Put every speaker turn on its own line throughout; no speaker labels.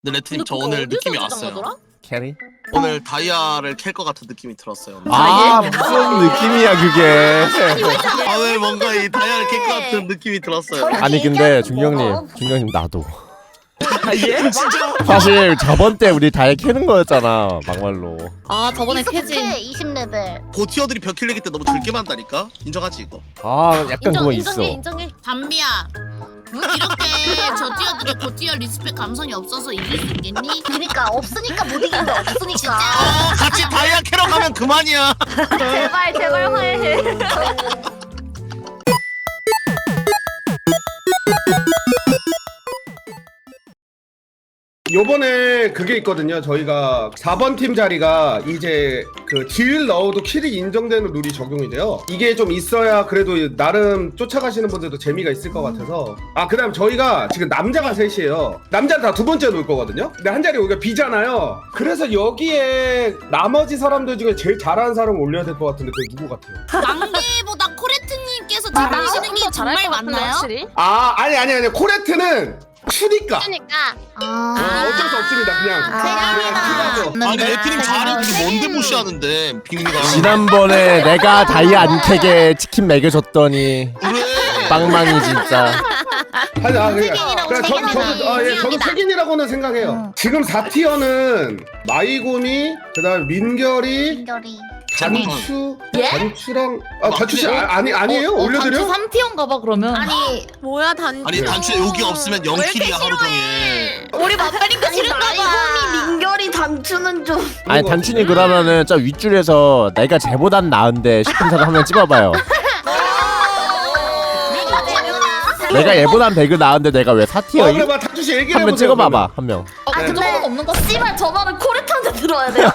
근데 레트님 저 오늘 느낌이 왔어요.
캐리?
오늘 다이아를 캘 것 같은 느낌이 들었어요.
아 무슨 느낌이야 그게.
아, 오늘 뭔가 이 다이아를 캘 것 같은 느낌이 들었어요.
아니 근데 중경님 나도.
예?
사실 저번 때 우리 다이 캐는 거였잖아 막말로.
아 저번에 캐지.
20레벨.
고티어들이 벽킬리기 때 너무 즐게 만다니까? 인정하지 이거?
아 약간 그거 있어.
인정해.
담비야, 이렇게 저 티어들이 고티어 리스펙 감성이 없어서 이길 수 있겠니?
그니까 없으니까 못 이긴다. 없으니까.
같이 다이아 캐러 가면 그만이야.
제발 화해해.
요번에 그게 있거든요. 저희가 4번 팀 자리가 이제 그 딜 넣어도 킬이 인정되는 룰이 적용이 돼요. 이게 좀 있어야 그래도 나름 쫓아가시는 분들도 재미가 있을 것 같아서. 아 그다음 저희가 지금 남자가 셋이에요. 남자는 다 두 번째 놓을 거거든요. 근데 한 자리 우리가 비잖아요. 그래서 여기에 나머지 사람들 중에 제일 잘하는 사람을 올려야 될 것 같은데 그게 누구 같아요?
망개보다 코레트님께서 잘하시는 게 정말 맞나요?
아 아니 코레트는 추니까.
그러니까.
어쩔 수 없습니다. 그냥.
아니 레트님 잘하는 게 뭔데 무시하는데 빅미가.
지난번에 내가 다이아 안 캐게 치킨 먹여줬더니
그래.
빵망이 진짜.
저도 색인이라고는 생각해요. 지금 4티어는 마이곰이, 그다음 민결이,
민결이.
단추,
예?
단추랑 단추씨 아니에요? 올려드려?
단추 3티어인가 봐 그러면.
아니
뭐야 단추.
아니 단추에 여기 없으면 0킬이야 하루 종일.
우리 맞다니까 싫은가 봐.
마이곰이 민결이 단추는 좀.
아니 단춘이 그러면은 저 윗줄에서 내가 쟤보단 나은데 싶은 사람 한 명 찍어봐요. 내가 얘보단 배그 나은데 내가 왜 4티어임?
그래 단추씨 얘기해
한 명 찍어봐봐 한 명.
그 정도는 없는 거.
씨발 저 말은 코레트한테 들어야 돼요.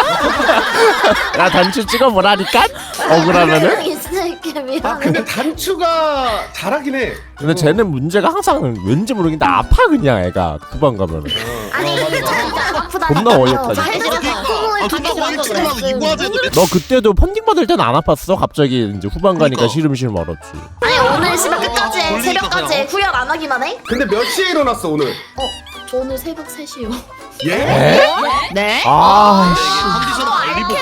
나 단추 찍어보라니까? 억울하면은?
이 새끼 미안해.
근데 단추가 잘하긴 해.
근데 쟤는 문제가 항상 왠지 모르겠는데 아파 그냥 애가 후반 가면은.
아니 진짜 아프다.
겁나 어이없다,
존나 거기 찍으면 이과제도.
너 그때도 펀딩 받을 때는 안 아팠어? 갑자기 이제 후반 가니까 시름시름 얼었지.
아니 오늘 씨발 끝까지 해.
돌리니까
새벽까지
그냥.
해. 후열 안 하기만 해?
근데 몇 시에 일어났어 오늘?
저 오늘 새벽 3시요.
예?
네?
아,
컨디션 관리보게.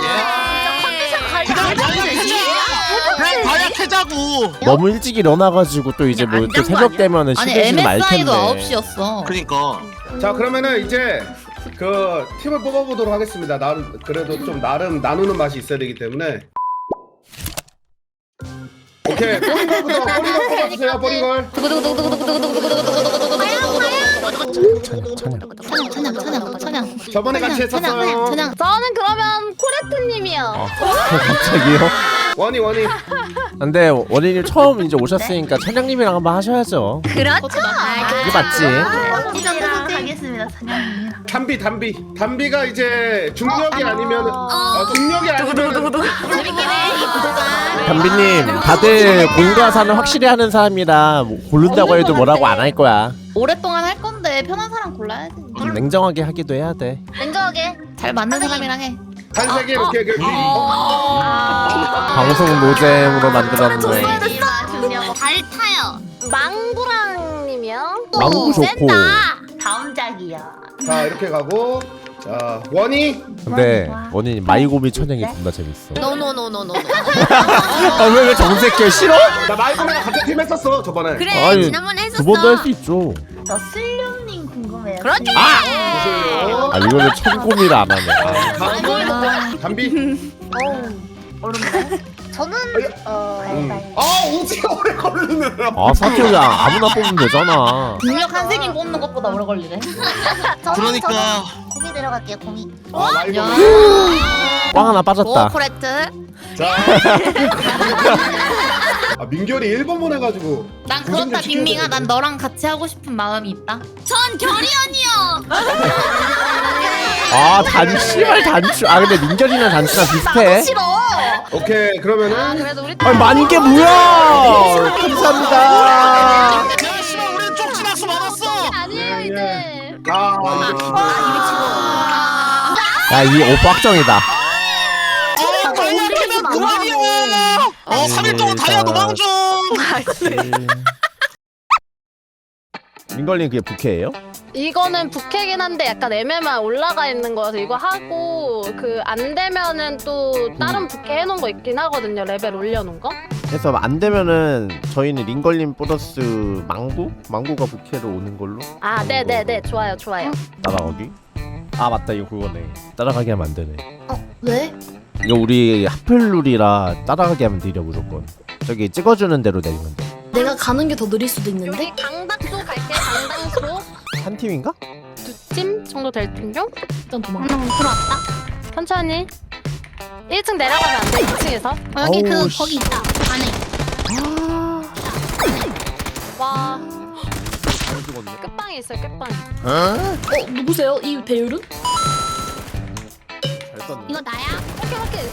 그냥 다이아 캐자고.
너무 일찍 일어나가지고 또 이제 뭐 또 새벽 되면은
아니
시름시름 말 텐데.
MSI도 9시였어.
그러니까.
자 그러면은 이제 그 팀을 뽑아보도록 하겠습니다. 나는 그래도 좀 나름 나누는 맛이 있어야 되기 때문에. 오케이 뽀링걸부터 뽀링걸 뽑아주세요. 뽀링걸.
찬양.
저번에 같이 했었어요.
저는 그러면 코레트님이요.
갑자기요?
원이
근데 원인이 처음 이제 오셨으니까 천양님이랑 한번 하셔야죠.
그렇죠.
이게 맞지?
이랑 하겠습니다.
담비가 이제 중력이 아니면 중력이 아니면
재밌긴 해.
담비님, 다들 공과사는 확실히 하는 사람이라 뭐 고른다고 해도 뭐라고 안 할 거야.
오랫동안 할 건데 편한 사람 골라야지.
냉정하게 하기도 해야 돼.
냉정하게.
잘 맞는 사람이랑 해.
한세계 이렇게
방송 노잼으로 만들었네.
잘 타요.
망구랑님이요.
망구 좋고.
다음 작이요.
자 이렇게 가고 자 원이
근데 원인이 마이고미 천양이 존나 재밌어.
노노노노노.
왜 정색해 싫어?
나 마이크랑 같은 팀 했었어 저번에.
그래
아니,
지난번에 했었어.
두 번도 할 수 있죠.
저 슬룡님 궁금해요.
그렇지.
무슨
이거는 천고미를 안 하네.
담비.
어렵네. 저는
오지가 오래 걸리네.
아 사티오야 아무나 뽑으면 되잖아.
중력 한 색인 뽑는 것보다 오래 걸리네.
그러니까.
고미 들어갈게요. 고미.
마이크.
꽝 하나 빠졌다.
코레트.
자. 민결이 1번 보내가지고.
난 그렇다 빅밍아. 난 너랑 같이 하고 싶은 마음이 있다.
전 결이 언니요.
아 단추발 단추. 아 근데 민결이랑 단추랑 비슷해.
싫어.
오케이 그러면은
그래도 우리
아니 만인 게 뭐야? 감사합니다.
야 씨발 우린 쪽지낙수 받았어.
아니에요 이제.
야 이 오빠 확정이다.
다이아 캐면 그만이야. 3일 동안 다이아 노방 중.
민걸님 그게 부캐예요?
이거는 부캐긴 한데 약간 애매만 올라가 있는 거여서 이거 하고 그 안 되면은 또 다른 부캐 해놓은 거 있긴 하거든요. 레벨 올려놓은 거.
그래서 안 되면은 저희는 링걸림 플러스 망고가 부캐로 오는 걸로.
아, 네네네, 좋아요, 좋아요.
따라가기? 아 맞다, 이거 그거네. 따라가게 하면 안 되네.
왜?
이거 우리 하플룰이라 따라가게 하면 느려 무조건. 저기 찍어주는 대로 내리면 돼.
내가 가는 게 더 느릴 수도 있는데?
여기 강당소 갈게. 강당소
한 팀인가?
2팀 정도 될 텐데?
일단 도망가.
들어왔다.
천천히. 1층 내려가면 안 돼. 2층에서.
여기
어우, 씨.
거기 있다. 안에.
와,
잘 죽었네.
끝방에 있어요. 끝방.
누구세요? 이 배율은?
잘 썼네.
이거 나야?
오케이, 오케이.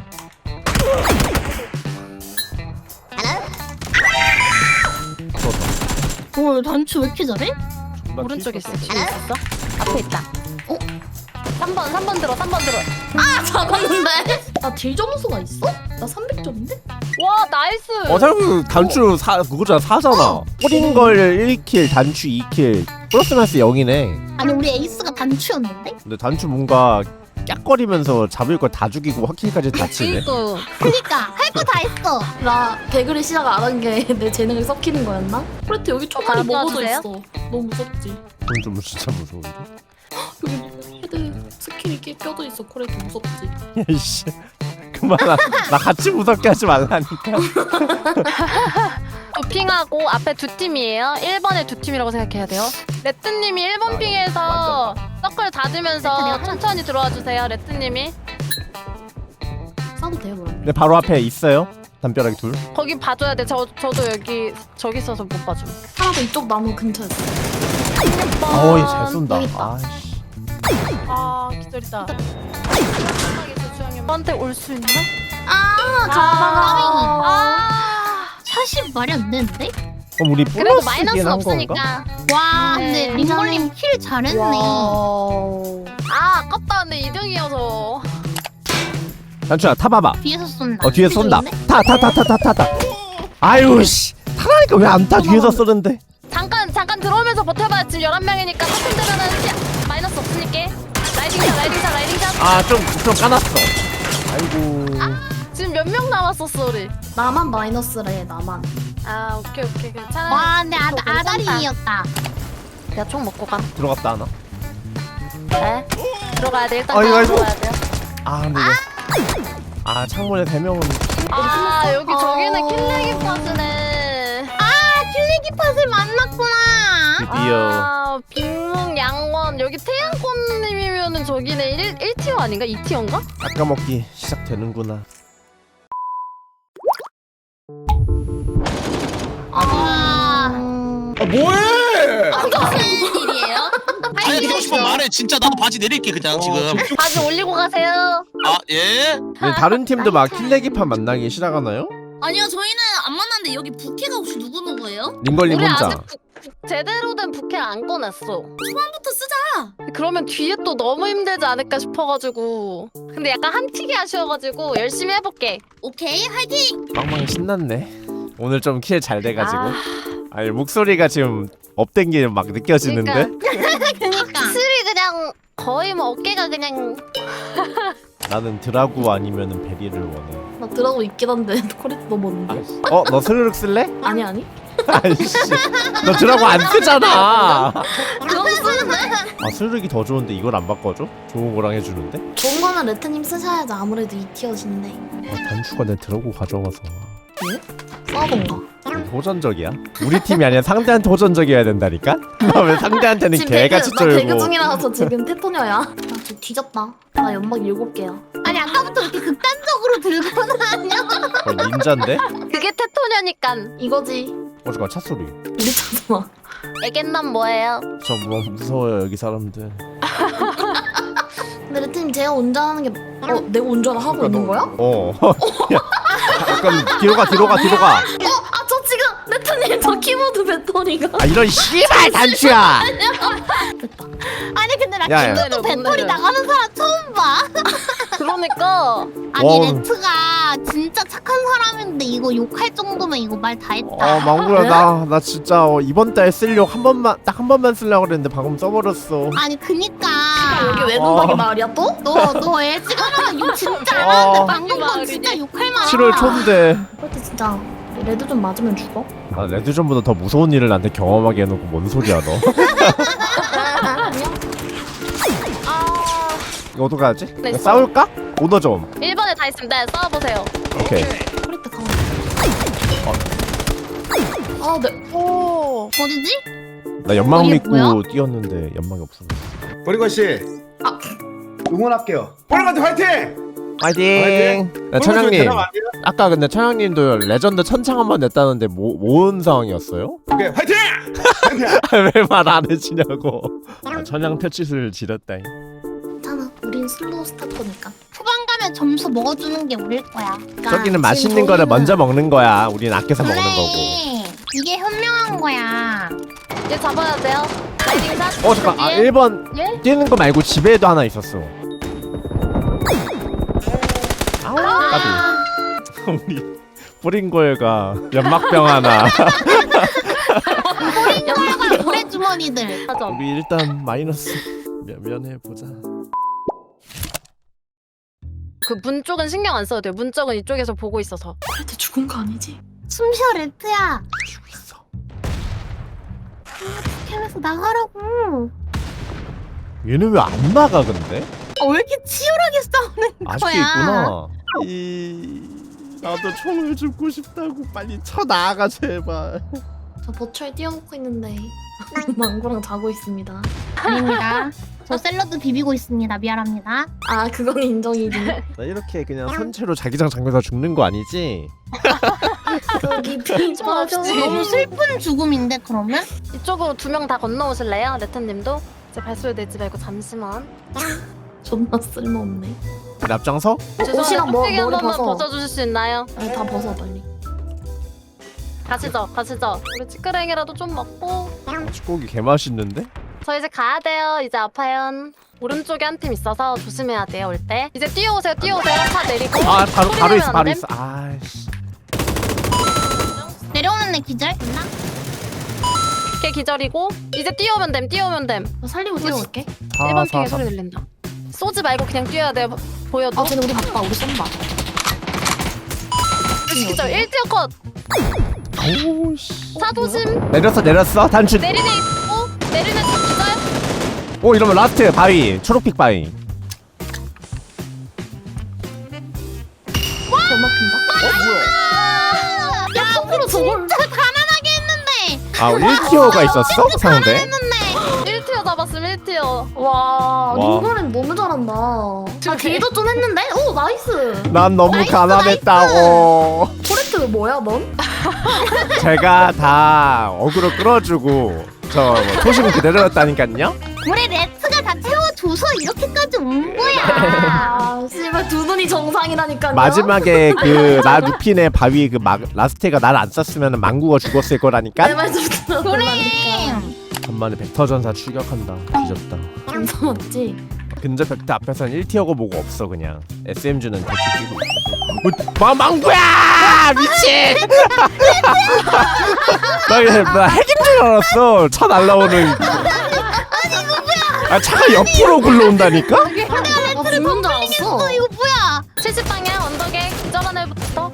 오 단추 왜 이렇게 잘해?
오른쪽에 있어. 뒤에 있었어. 앞에 있다. 3번 들어. 3번 들어.
아 잡았는데.
나 딜 점수가 있어? 나 300점인데?
와, 나이스.
생각해보면 단추 그거잖아, 4잖아. 뿌린 걸 1킬, 단추 2킬, 플러스 마이너스 0이네.
아니 우리 에이스가 단추였는데?
근데 단추 뭔가 깍거리면서 잡을 걸 다 죽이고 확킬까지 다 치네.
이거
그니까 할 거 다 했어.
나 배그를 시작 안 한 게 내 재능을 썩히는 거였나? 코레트 여기 총알이
아,
먹어져
도와주세요?
있어. 너무 무섭지?
그건 좀 진짜 무서운데?
여기 헤드 스킬이 껴져 있어. 코레트 무섭지?
야이씨, 그만. 나 같이 무섭게 하지 말라니까.
도핑하고 앞에 2팀이에요. 1번에 2팀이라고 생각해야 돼요. 레트님이 1번
아,
핑에서 서클 닫으면서
레트님
천천히 들어와 주세요. 레트님이.
싸도 돼요 그럼?
내 바로 앞에 있어요. 담벼락이 둘.
거기 봐줘야 돼. 저도 저기 있어서 못 봐줘.
하나도 이쪽 나무 근처였어.
어이, 잘 쏜다.
여기 있다.
아이씨.
아, 기다리다. 저한테 올 수 있나?
아, 샷이 말이 안 되는데?
그럼 우리
그래도
플러스긴
마이너스
한 건가?
없으니까.
와
네,
근데 링걸님 킬 잘했네.
와우.
아, 아깝다. 근데 2등이어서.
단추야, 타봐봐.
뒤에서 쏜다.
뒤에서 쏜다.
뒤쪽인데?
타. 아유, 씨. 타라니까 왜 안 타? 뒤에서 쏘는데.
잠깐 들어오면서 버텨봐. 지금 11명이니까 조금 되면은 마이너스 없으니까. 라이딩샷.
아, 좀 까놨어. 아이고.
지금 몇 명 남았었어, 우리?
나만 마이너스래 나만.
아, 오케이. 괜찮아.
와 근데
괜찮다.
아다리였다.
내가 총 먹고 가.
들어갔다 하나?
네. 들어가야 돼. 일단
아이고.
들어가야 돼요.
아, 근데 이거. 아, 창문에 3명은.
아, 여기 저기는 킬레기 파스네.
킬리기 팟을 만났구나.
드디어.
아, 빅몽 양원. 여기 태양꽃님이면은 저기네 1티어 아닌가? 2티어인가?
깎아먹기 시작되는구나.
뭐해?
무슨 일이에요?
아니 하고 싶으면 말해. 진짜 나도 바지 내릴게 그냥 지금.
바지 올리고 가세요.
아 예?
근데 다른 팀도 막 킬레기판 만나기 시작하나요?
아니요 저희는 안 만났는데 여기 부캐가 혹시 누구예요?
링걸님
우리
혼자.
아직 제대로 된 부캐 안 꺼냈어.
초반부터 쓰자.
그러면 뒤에 또 너무 힘들지 않을까 싶어가지고. 근데 약간 한튀기 아쉬워가지고 열심히 해볼게.
오케이 화이팅.
빵빵 신났네. 오늘 좀 킬 잘 돼가지고. 아니, 목소리가 지금 업된 게 막 느껴지는데?
그니까.
술이 그냥 거의 뭐 어깨가 그냥.
나는 드라구 아니면은 베리를 원해.
나 드라고 있긴 한데 코레트 넘었는데.
너 스르륵 쓸래?
아니.
아이씨, 너 드라고 안 쓰잖아.
그럼 쓰는데?
아, 스르륵이 더 좋은데 이걸 안 바꿔줘? 좋은 거랑 해주는데?
좋은 거는 레트님 쓰셔야지 아무래도 2티어신데.
단추가 내 드라고 가져와서.
싸던가.
호전적이야? 우리 팀이 아니라 상대한테 호전적이어야 된다니까? 왜 상대한테는 개같이
나 배그
쫄고.
중이라서 지금 테토녀야. 나 지금 뒤졌다. 나 연막 7개야.
아니 아까부터 이렇게 극단적으로 들고 다녀.
닌자인데?
그게 테토녀니까.
이거지.
잠깐, 차 소리.
우리 차잖아.
애견남 뭐예요?
저 뭐 무서워요 여기 사람들.
근데 레트님 제가 운전하는 게 내가 운전을 하고 있는 거야?
야, 약간 뒤로 가.
아 저 지금 레트님 저 키보드 배터리가
아, 이런 씨발 단추야.
됐다.
아니 근데 나
야, 야.
김도도 배터리 나가는 사람 처음 봐.
그러니까
아니
와.
레트가 진짜 착한 사람인데 이거 욕할 정도면 이거 말 다 했다.
망구야 나 진짜 이번 달 쓰려고 딱 한 번만 쓰려고 그랬는데 방금 써버렸어.
아니 그니까
여기 외눈박이 마을이야 또?
너 애지간하면 욕 진짜 안 하는데 방금 건 진짜 욕할 만하다.
7월 초인데.
그렇대 진짜 레드 좀 맞으면 죽어?
아 레드존보다 더 무서운 일을 나한테 경험하게 해놓고 뭔 소리야 너. 이거 어떡하지?
네,
이거 싸울까? 오너 좀.
1번에 다 있으면 네 싸워보세요.
오케이.
프레트 가만. 아 네.
어디지?
나 연막
이게
믿고
뭐야?
뛰었는데 연막이 없어.
버리건 씨. 응원할게요. 버리건 화이팅!
파이팅! 야, 천양님 아까 근데 천양님도 레전드 천창 한번 냈다는데 뭔 상황이었어요?
오케이 화이팅!
왜 말 안 해주냐고. 천양 퇴치를 지렸다잉.
괜찮아. 우린 슬로우 스타터니까.
후반 가면 점수 먹어주는 게 우릴 거야.
저기는 맛있는 거를 먼저 먹는 거야. 우린 아껴서 먹는 거고.
이게 현명한 거야.
얘 잡아야 돼요. 라이딩샷.
잠깐. 아 1번
예?
뛰는 거 말고 집에도 하나 있었어. 아우 까비. 우리 뿌린거가 연막병 하나.
연락을 오래 주머니들.
맞아.
우리 일단 마이너스 면해보자.
그 문 쪽은 신경 안 써도 돼요. 문 쪽은 이쪽에서 보고 있어서.
프레트 죽은 거 아니지?
숨쉬어 레트야.
죽고 있어.
캠에서 나가라고.
얘는 왜 안 나가 근데?
왜 이렇게 치열하게 싸우는
아직도
거야?
있구나. 나도 총을 줍고 싶다고 빨리 쳐 나가 제발.
저 버추얼 띄워놓고 있는데 망구랑 자고 있습니다.
아닙니다. 저 샐러드 비비고 있습니다. 미안합니다.
아 그건 인정이지.
나 이렇게 그냥 선체로 자기장 잠겨서 죽는 거 아니지?
거기 비춰줘.
너무 슬픈 죽음인데 그러면?
이쪽으로 2명 다 건너오실래요? 레트님도? 이제 발소리 내지 말고 잠시만.
존나 쓸모없네.
앞장서?
옷이랑
뚝배기 한
머리
번만
벗어.
벗어주실 수 있나요?
아니 다 벗어 빨리.
가시죠. 우리 찌끄랭이라도 좀 먹고.
축고기 개 맛있는데?
저 이제 가야 돼요. 이제 아파요. 오른쪽에 한 팀 있어서 조심해야 돼요. 올 때. 이제 뛰어오세요. 차 내리고.
아
소리
바로
내면
있어
안
바로
됨?
있어. 아씨.
내려오는 애 기절? 됐나?
걔 기절이고. 이제 뛰어오면 됨.
나 살리고 뛰어올게.
1번 핑에 소리 들린다. 쏘지 말고 그냥 뛰어야 돼요. 보여도.
아 쟤네 우리 바빠. 우리 쏜다.
기절 1티어 컷.
오우씨.
차 조심.
내렸어 단추.
내리네 있고. 내리네 집 기절.
오 이러면 라스트 바위 초록빛 바위.
더 막힌다.
야, 앞으로 진짜 가난하게 했는데.
아 1티어가 있었어? 상대?
1티어 잡았음 1티어.
와,
와.
링거는 너무 잘한다. 나 딜도 좀 했는데? 오, 나이스.
난 너무 가난했다고.
포레트 뭐야, 넌?
제가 다 어그로 끌어주고 저 초심 그대로였다니깐요.
우리 레트가 다 채워줘서 이렇게까지 온 거야.
아, 씨발 두 눈이 정상이라니까요.
마지막에 그 나 루핀의 바위 그 라스테가 날 안 썼으면 망구가 죽었을 거라니까.
내 말 좀 들어.
그래.
간만에 벡터전사 출격한다. 뒤졌다.
진짜 맞지?
근접 벡터 앞에서는 1티어고 뭐고 없어 그냥. SM주는 대충 끼고 있어. 망구야! 미친! 나 핵인 줄 알았어. 차 날라오는. 아 차가 옆으로 굴러온다니까?
아, 죽는 줄 알았어.
이거 뭐야?
70방향 언덕에 기절한 애부터.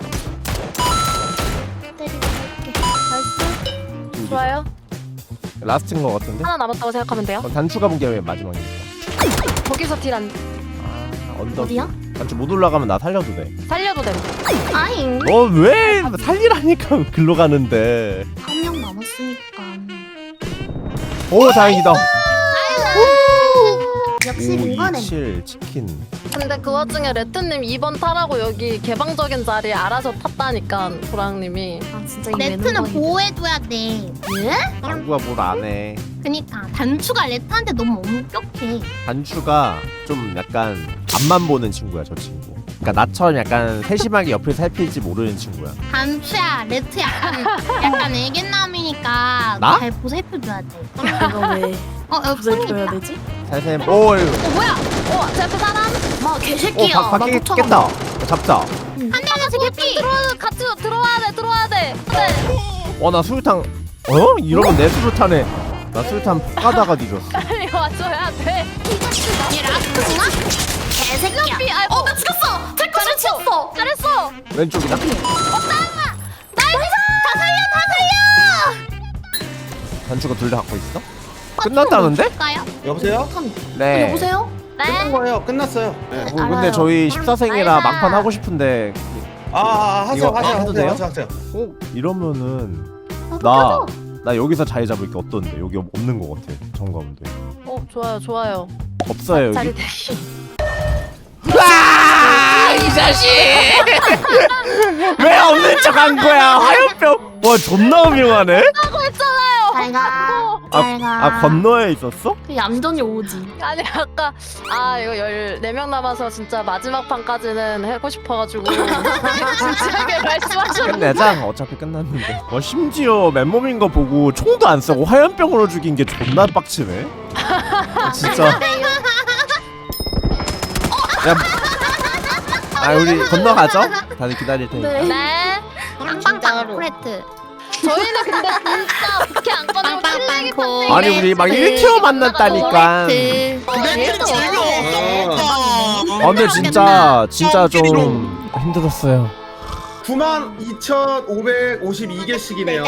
나이스. 좋아요.
라스트인 것 같은데?
하나 남았다고 생각하면 돼요.
단추 가본 게 마지막이니까.
거기서 딜안
아 언덕.
어디야?
단추 못 올라가면 나 살려도 돼.
살려도 돼.
아잉.
너 왜 살리라니까 글로 가는데.
한 명 남았으니까.
오 다행이다.
역시 링거는.
527 치킨.
근데 그 와중에 레트님 2번 타라고 여기 개방적인 자리에 알아서 탔다니까 도랑님이.
아 진짜 이
레트는
외눈박이.
보호해줘야 돼.
예?
망구가 뭘 안 해.
그니까 단추가 레트한테 너무 엄격해.
단추가 좀 약간 앞만 보는 친구야 저 친구. 그러니까 나처럼 약간 세심하게 옆을 살필지 모르는 친구야.
단추야, 레트 약간 애견남이니까
나?
잘 보살펴줘야 돼.
내가 왜
어,
구슬
손이
줘야
있다.
되지?
살살. 오
뭐야?
제 앞에 사람.
마 개새끼야. 나
밖에
쫓아간다.
깼다. 잡자.
한 대만 개피.
같이 들어와야 돼.
나 수류탄. 이러면 내 수류탄에 나 수류탄 까다가 뒤졌어.
빨리 와줘야 돼.
얘 라스트구나? 개새끼야.
나 죽였어. 텔코를 치웠어.
잘했어.
왼쪽이다. 단추가 둘 다 갖고 있어? 끝났다는데?
가요?
여보세요?
네.
여보세요?
끝난 거예요. 끝났어요. 네.
근데
알아요.
저희 14생이라
알아.
막판 하고 싶은데
하세요.
이거 해도 돼요?
하세요.
이러면은
나
나 여기서 자리 잡을 게 어떤데? 여기 없는 거 같아. 정가운데.
좋아요.
없어요
자리
여기.
대기.
이 자식! 왜 없는 척 한 거야? 화염병. 와 존나 음흉하네.
잘가. 잘가.
건너에 있었어?
그 얌전히 오지.
아니 아까 이거 14명 남아서 진짜 마지막 판까지는 하고 싶어가지고 진지하게 말씀하셨는데
끝내자. 어차피 끝났는데. 심지어 맨몸인 거 보고 총도 안 쏘고 화염병으로 죽인 게 존나 빡치네. 진짜. 야, 우리 건너가죠? 다들 기다릴 테니까.
네.
빵빵빵 프레트.
저희는 근데 진짜 부캐 안 꺼내고 찔레기 탔네.
아니 우리 막 1티어 만났다니까.
내 재미없어.
근데 진짜 좀 힘들었어요.
92,552개씩이네요.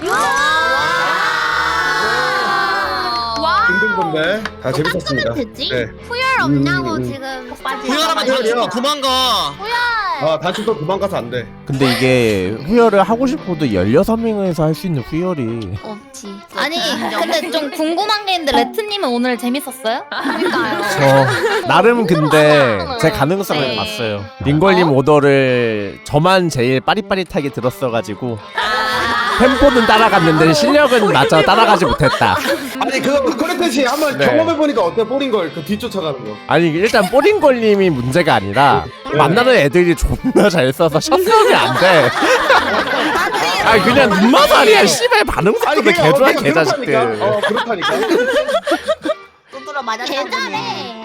힘든 건데 다 재밌었습니다.
됐지?
네.
후열 없냐고
음.
지금
후열하면 단추도 도망가.
단추 또 도망가서 안 돼.
근데 이게 후열을 하고 싶어도 16명에서 할 수 있는 후열이
없지.
아니 근데 좀 궁금한 게 있는데 레트님은 오늘 재밌었어요?
저 나름 근데 제 가능성을
네.
봤어요. 링걸님 오더를 저만 제일 빠릿빠릿하게 들었어가지고 템포는 따라갔는데 실력은 맞아 따라가지 못했다.
아니 그렇듯이 한번
네.
경험해보니까 어때? 뽀링걸 그 뒤쫓아가는 거.
아니 일단 뽀링걸님이 문제가 아니라 만나는 애들이 존나 잘 써서 샷싸움이 안 돼. 아니 그냥 눈마살이야. 씨발 반응 속도도 개좋아 개자식들.
그렇다니까.
두드러 맞았다. 개 잘해.